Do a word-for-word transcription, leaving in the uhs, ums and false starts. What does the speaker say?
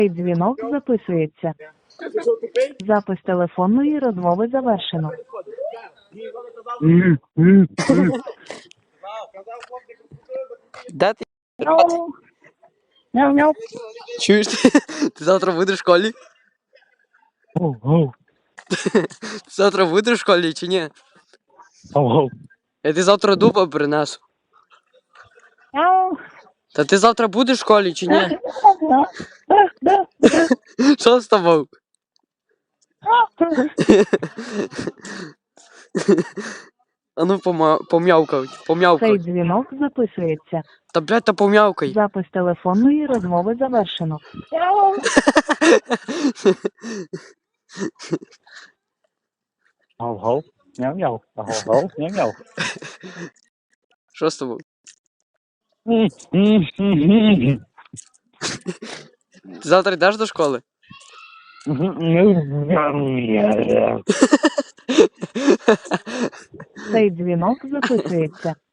Цей дзвінок записується. Запис телефонної розмови завершено. Де ти? Мяу. Мяу-мяу. Чуєш? Ти завтра будеш в школі? Оу-оу. Ти завтра будеш в школі чи ні? Оу-оу. Я ти завтра дуба принесу. Мяу. Та ти завтра будеш в школі чи ні? Да, да, да. Що з тобою? А ну пома... пом'явкай, Цей пом'явкай. дзвінок записується. Та блядь, та пом'явкай. Запис телефонної розмови завершено. Мяу. Оу-оу. Мяу-мяу. Оу-оу. Мяу-мяу. Що з тобою? Ти завтра йдеш до школи? Цей дзвінок записується.